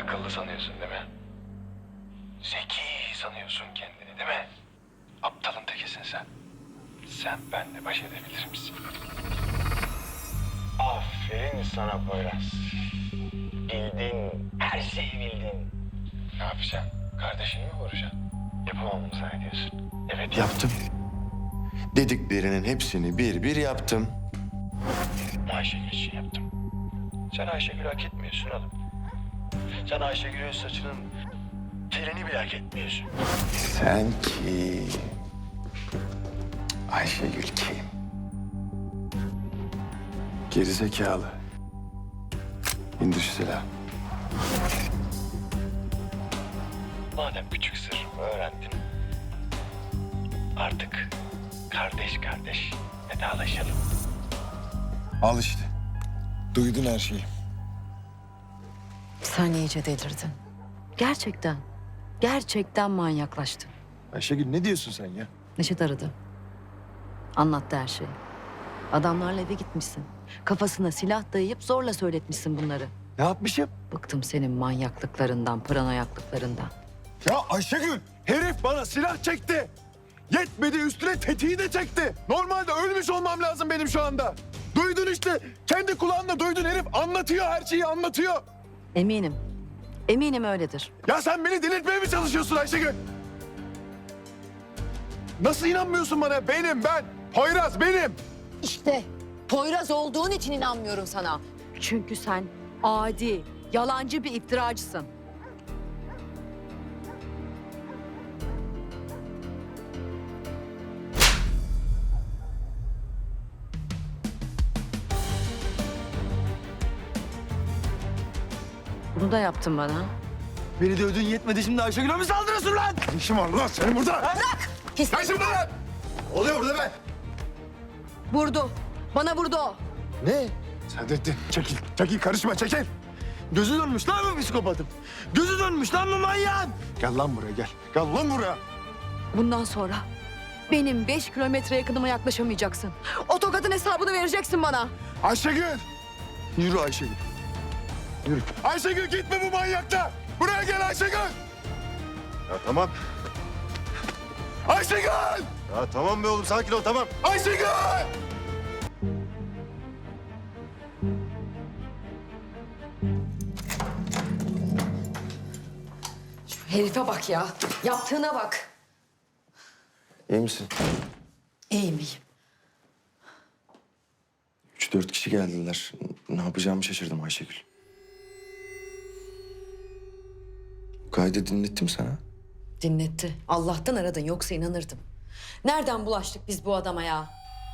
akıllı sanıyorsun değil mi? Zeki sanıyorsun kendini değil mi? Aptalın tekisin sen. Sen benimle baş edebilir misin? Aferin sana Poyraz. Bildin, her şeyi bildin. Ne yapacaksın? Kardeşini mi vuracaksın? Yapamam mı zannediyorsun? Evet Yaptım. Dediklerinin hepsini bir bir yaptım. Ayşegül için yaptım. Sen Ayşegül'ü hak etmiyorsun oğlum. Sen Ayşegül'ün saçının telini bile hak etmiyorsun. Sen kim? Ayşegül kim? Gerizekalı. İndir şu silahı. Madem küçük sır öğrendin, artık kardeş kardeş vedalaşalım. Al işte. Duydun her şeyi. Sen iyice delirdin. Gerçekten. Gerçekten manyaklaştın. Ayşegül ne diyorsun sen ya? Neşet aradı. Anlattı her şeyi. Adamlarla eve gitmişsin. Kafasına silah dayayıp zorla söyletmişsin bunları. Ne yapmışım? Bıktım senin manyaklıklarından, paranoyaklıklarından. Ya Ayşegül, herif bana silah çekti. Yetmedi üstüne tetiği de çekti. Normalde ölmüş olmam lazım benim şu anda. Duydun işte. Kendi kulağınla duydun, herif anlatıyor, her şeyi anlatıyor. Eminim. Eminim öyledir. Ya sen beni delirtmeye mi çalışıyorsun Ayşegül? Nasıl inanmıyorsun bana? Ben. Poyraz benim. İşte Poyraz olduğun için inanmıyorum sana. Çünkü sen adi, yalancı bir iftiracısın. Bunu da yaptın bana. Beni dövdün yetmedi, şimdi Ayşegül'e mi saldırıyorsun lan? Ne işin var lan senin burada? Bırak! Pis. Ne işin var lan? Oluyor burada be. Vurdu. Bana vurdu o. Ne? Saadettin çekil karışma çekil. Gözü dönmüş lan bu psikopatım. Gözü dönmüş lan bu manyağın. Gel lan buraya gel. Gel lan buraya. Bundan sonra benim 5 kilometre yakınıma yaklaşamayacaksın. O tokatın hesabını vereceksin bana. Ayşegül. Yürü Ayşegül. Yürü. Ayşegül gitme bu manyakla. Buraya gel Ayşegül. Ya tamam. Ayşegül. Ya tamam be oğlum, sakin ol, tamam. Ayşegül. Herife bak ya. Yaptığına bak. İyi misin? İyiyim iyiyim. 3-4 kişi geldiler. Ne yapacağımı şaşırdım Ayşegül. Kaydı dinlettim sana. Dinletti. Allah'tan aradın yoksa inanırdım. Nereden bulaştık biz bu adama ya?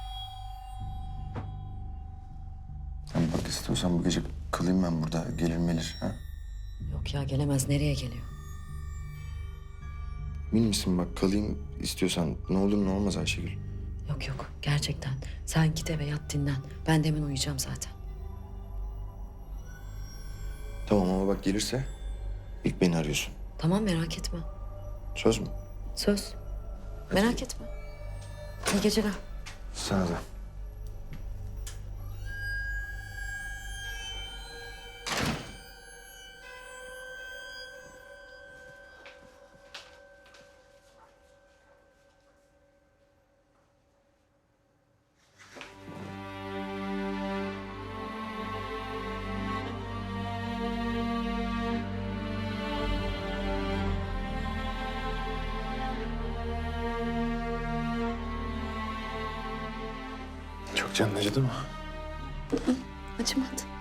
Sen bak, istiyorsan bu gece kalayım ben burada. Gelir melir ha? Yok ya gelemez. Nereye geliyor? Emin misin, bak kalayım istiyorsan. Ne olur ne olmaz Ayşegül. Yok yok gerçekten. Sen git eve yat dinlen. Ben de hemen uyuyacağım zaten. Tamam ama bak gelirse ilk beni arıyorsun. Tamam merak etme. Söz mü? Söz. Merak etme. İyi geceler. Sana da. Çok canın acıdı mı? Acımadı.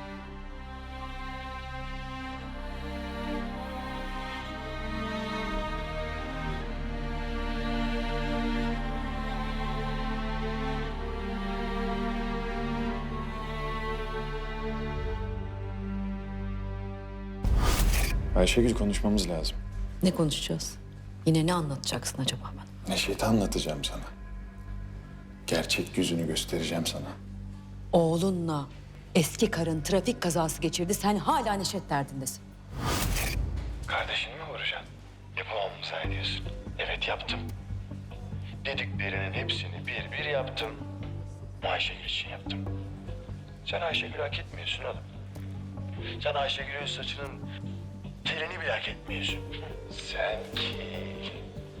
Ayşegül, konuşmamız lazım. Ne konuşacağız? Yine ne anlatacaksın acaba bana? Neşet'i anlatacağım sana. Gerçek yüzünü göstereceğim sana. Oğlunla eski karın trafik kazası geçirdi. Sen hala Neşet derdindesin. Kardeşini mi vuracaksın? Yapamam mı zannediyorsun? Evet yaptım. Dediklerinin hepsini bir bir yaptım. Ayşegül için yaptım. Sen Ayşegül'ü hak etmiyorsun oğlum. Sen Ayşegül'ün saçının Selin'i bile hak etmiyorsun. Sen kim?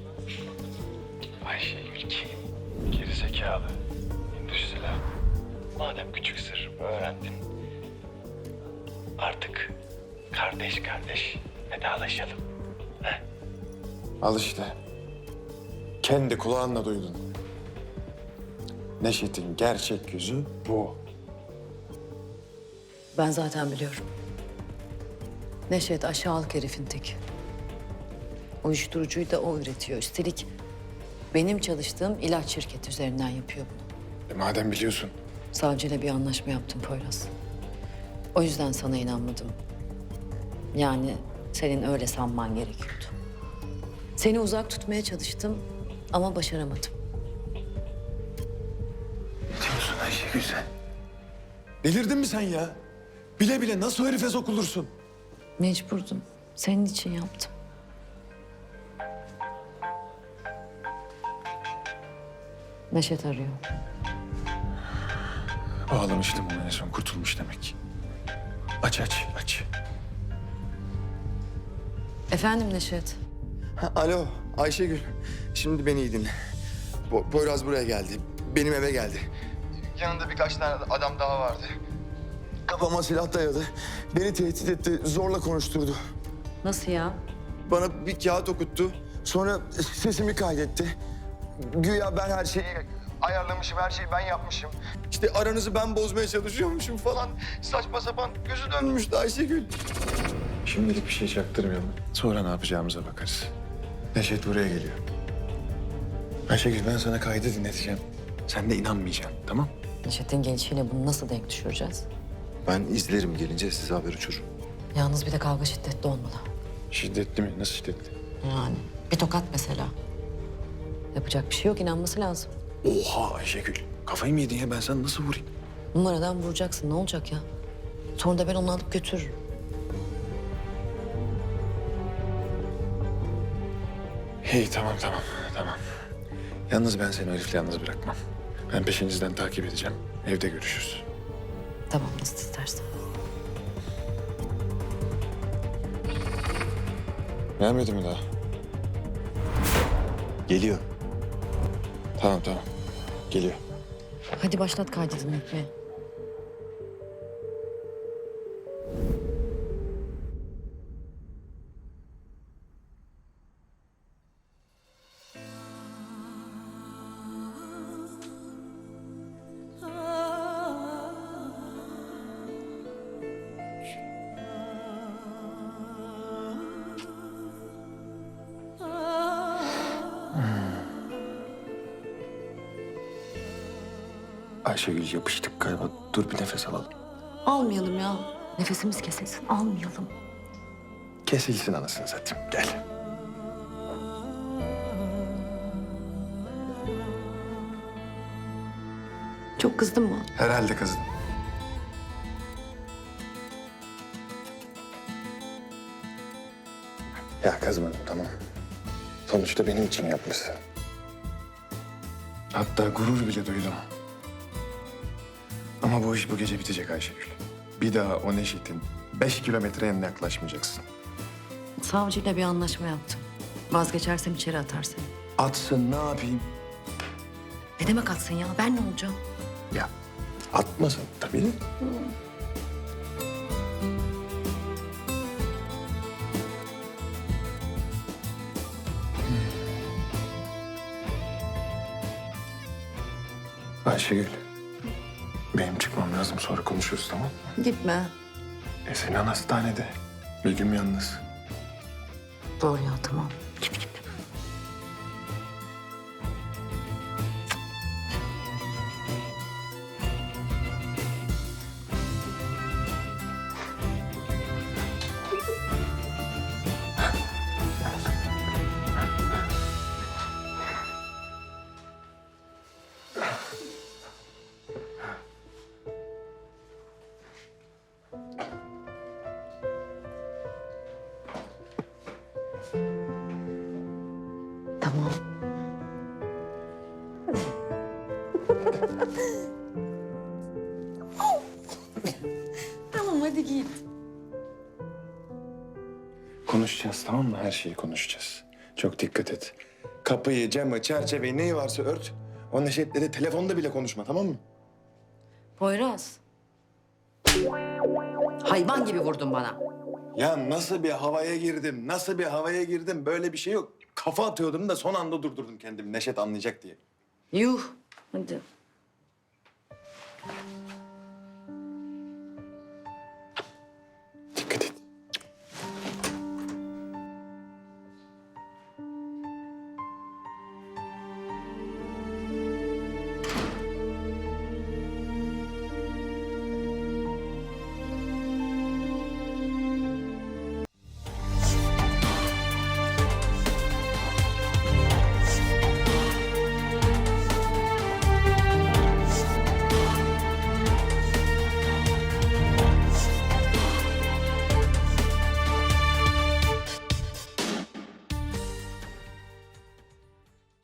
Ayşegül kim? Gerizekalı. Hindüsüla. Madem küçük sır öğrendin, artık kardeş kardeş vedalaşalım. He? Al işte. Kendi kulağınla duydun. Neşet'in gerçek yüzü bu. Ben zaten biliyorum. Neşet aşağılık herifin teki. Uyuşturucuyu da o üretiyor. Üstelik benim çalıştığım ilaç şirketi üzerinden yapıyor bunu. Madem biliyorsun. Savcıyla bir anlaşma yaptım Poyraz. O yüzden sana inanmadım. Yani senin öyle sanman gerekiyordu. Seni uzak tutmaya çalıştım ama başaramadım. Ne diyorsun Ayşegül sen? Delirdin mi sen ya? Bile bile nasıl o herife sokulursun? Mecburdum. Senin için yaptım. Neşet arıyor. Bağlamıştım onu en son, kurtulmuş demek. Aç. Efendim Neşet. Alo Ayşegül. Şimdi beni iyi dinle. Poyraz buraya geldi. Benim eve geldi. Yanında birkaç tane adam daha vardı. Kafama silah dayadı. Beni tehdit etti. Zorla konuşturdu. Nasıl ya? Bana bir kağıt okuttu. Sonra sesimi kaydetti. Güya ben her şeyi ayarlamışım, her şeyi ben yapmışım. İşte aranızı ben bozmaya çalışıyormuşum falan. Saçma sapan gözü dönmüştü Ayşegül. Şimdilik bir şey çaktırmayalım. Sonra ne yapacağımıza bakarız. Neşet buraya geliyor. Ayşegül ben sana kaydı dinleteceğim. Sen de inanmayacaksın, tamam? Neşet'in gelişiyle bunu nasıl denk düşüreceğiz? Ben izlerim gelince size haber uçururum. Yalnız bir de kavga şiddetli olmalı. Şiddetli mi? Nasıl şiddetli? Yani bir tokat mesela. Yapacak bir şey yok, inanması lazım. Oha Ayşegül. Kafayı mı yedin ya? Ben sana nasıl vurayım? Numaradan vuracaksın, ne olacak ya? Sonra da ben onu alıp götürürüm. İyi tamam. Yalnız ben seni o herifle yalnız bırakmam. Ben peşinizden takip edeceğim. Evde görüşürüz. Tamam, nasıl istersen. Gelmedi mi daha? Geliyor. Tamam. Geliyor. Hadi başlat kaydı dinletmeye. Ayşegül yapıştık galiba. Dur bir nefes alalım. Almayalım ya. Nefesimiz kesilsin, almayalım. Kesilsin anasını satayım. Gel. Çok kızdın mı? Herhalde kızım. Ya kızmadım tamam. Sonuçta benim için yapmışsın. Hatta gurur bile duydum. Ama bu iş bu gece bitecek Ayşegül. Bir daha o Neşet'in 5 kilometre yanına yaklaşmayacaksın. Savcıyla bir anlaşma yaptım. Vazgeçersem içeri atar seni. Atsın ne yapayım? Ne demek atsın ya? Ben ne olacağım? Ya atmasın tabii. Ayşegül, benim çıkmam lazım. Sonra konuşuruz tamam mı? Gitme. Sinan hastanede. Begüm yalnız. Doğru ya, tamam. Git. Tamam. Tamam, hadi git. Konuşacağız, tamam mı? Her şeyi konuşacağız. Çok dikkat et. Kapıyı, camı, çerçeveyi neyi varsa ört. O Neşet'le de telefonda bile konuşma, tamam mı? Poyraz. Hayvan gibi vurdun bana. Ya nasıl bir havaya girdim, nasıl bir havaya girdim? Böyle bir şey yok. Kafa atıyordum da son anda durdurdum kendimi. Neşet anlayacak diye. Yuh. Hadi.